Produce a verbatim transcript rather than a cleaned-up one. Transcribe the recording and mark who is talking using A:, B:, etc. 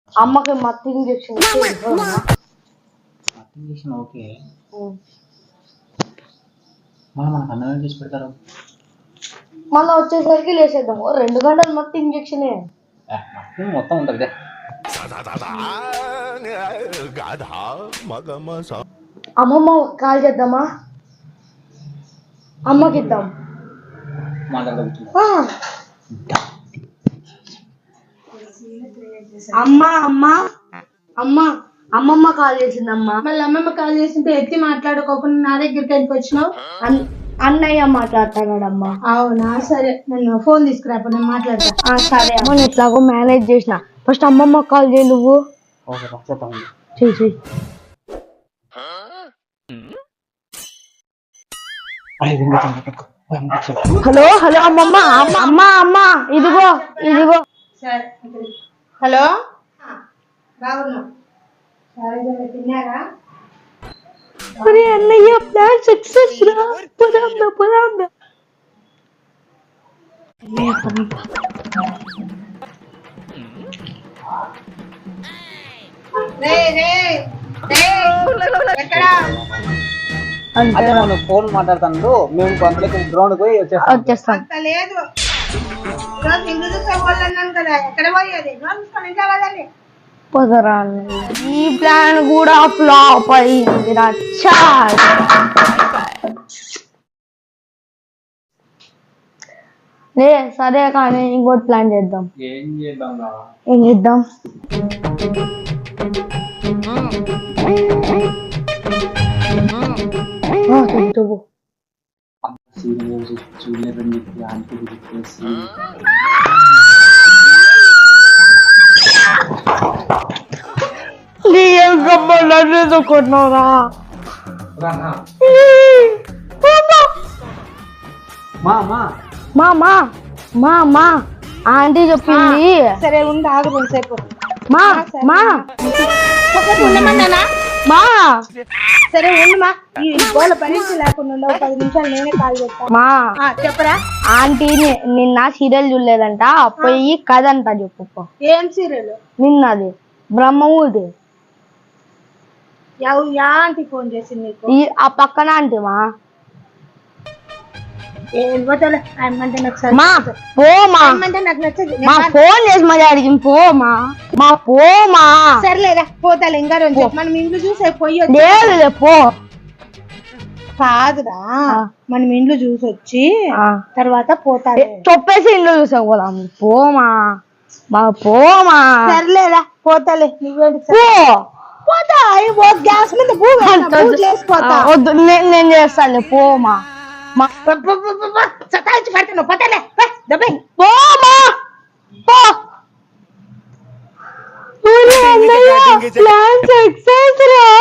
A: అమ్మకి మత్తు injection
B: injection okay. మళ్ళీ మనకు అన్నం చేసి పెడతారు.
A: మళ్ళీ వచ్చేసరికి లేసేద్దాము. రెండు గంటలు మత్తు ఇంజెక్షనే
B: మొత్తం ఉంటుంది.
A: అమ్మమ్మ కాల్ చేద్దామా? అమ్మకి ఇద్దాం. అమ్మ అమ్మ అమ్మ అమ్మమ్మ కాల్ చేసిందమ్మా.
C: మళ్ళీ అమ్మమ్మ కాల్ చేసింటే ఎత్తి మాట్లాడుకోకుండా నా దగ్గరికి ఎందుకు వచ్చినావు?
A: అన్నయ్య మాట్లాడతాడమ్మా.
C: అవునా, సరే నేను ఫోన్ తీసుకురా, నేను మాట్లాడతా.
A: సరే అమ్మ, నేను ఎట్లాగో మేనేజ్ చేసిన. ఫస్ట్ అమ్మమ్మ కాల్ చేయి నువ్వు. చెయ్యి చెయ్యి. హలో హలో అమ్మమ్మ అమ్మ అమ్మ ఇదిగో ఇదిగో.
C: హలో, బాగున్నా? తిన్నారా?
A: మరి అన్నయ్య ప్లాన్ సక్సెస్ రా. పొదాందా పొదాందా.
B: ఫోన్ మాట్లాడుతాను. మేము గ్రౌండ్ పోయి
A: వచ్చేస్తాం.
C: లేదు, కదా ఎక్కడ పోయేది?
A: పొదరా, ఈ ప్లాన్ కూడా ఫ్లాప్ అయింది. లే సరే కానీ ఇంకోటి ప్లాన్ చేద్దాం.
B: ఏం చేద్దాం?
A: ఏం చేద్దాం?
B: చూడలేదని చెప్పి ఆంటీ చెప్పేసి
A: ఏం గమ్మలు కొన్నారా? మా మా మా మా ఆంటీ చెప్పింది.
C: సరే ఉండి ఆగు కొంతసేపు.
A: మా మా
C: ఉండమన్నానా?
A: మా
C: సరే ఉండు మా. ఈ గోల పరీక్ష లేకుండా ఉండవు. పది నిమిషాలు నేనే కాల్ చేస్తా.
A: మా
C: చెప్పరా?
A: ఆంటీ నిన్న సీరియల్ చూడలేదంట, పోయి కథ అంట చెప్పు.
C: ఏం సీరియల్?
A: నిన్నది బ్రహ్మముడి.
C: యా ఆంటీ ఫోన్ చేసింది నీకు?
A: ఆ పక్కన ఆంటీ మా.
C: ఏమంటే నాకు
A: మా పోమా
C: అంటే నాకు నచ్చదు.
A: మా ఫోన్ చేసి మరి అడిగింది. పోమా మా పోమా.
C: సర్లేదా పోతాలే. ఇంకా రోజు మనం ఇంట్లో చూసే పోయి
A: లేదు పో.
C: కాదురా, మనం ఇంట్లో చూసి వచ్చి తర్వాత పోతా.
A: చెప్పేసి ఇంట్లో చూసా పోదాం. పోమా మా పోమా.
C: సర్లేదా పోతాలే. నువ్వేంటి పోతా? గ్యాస్ మీద
A: వద్దు, నేను చేస్తాను. పోమా
C: సతాయించి పడుతున్నావు. పోతాలే.
A: పోమా ప్లాన్ సక్సెస్ రా.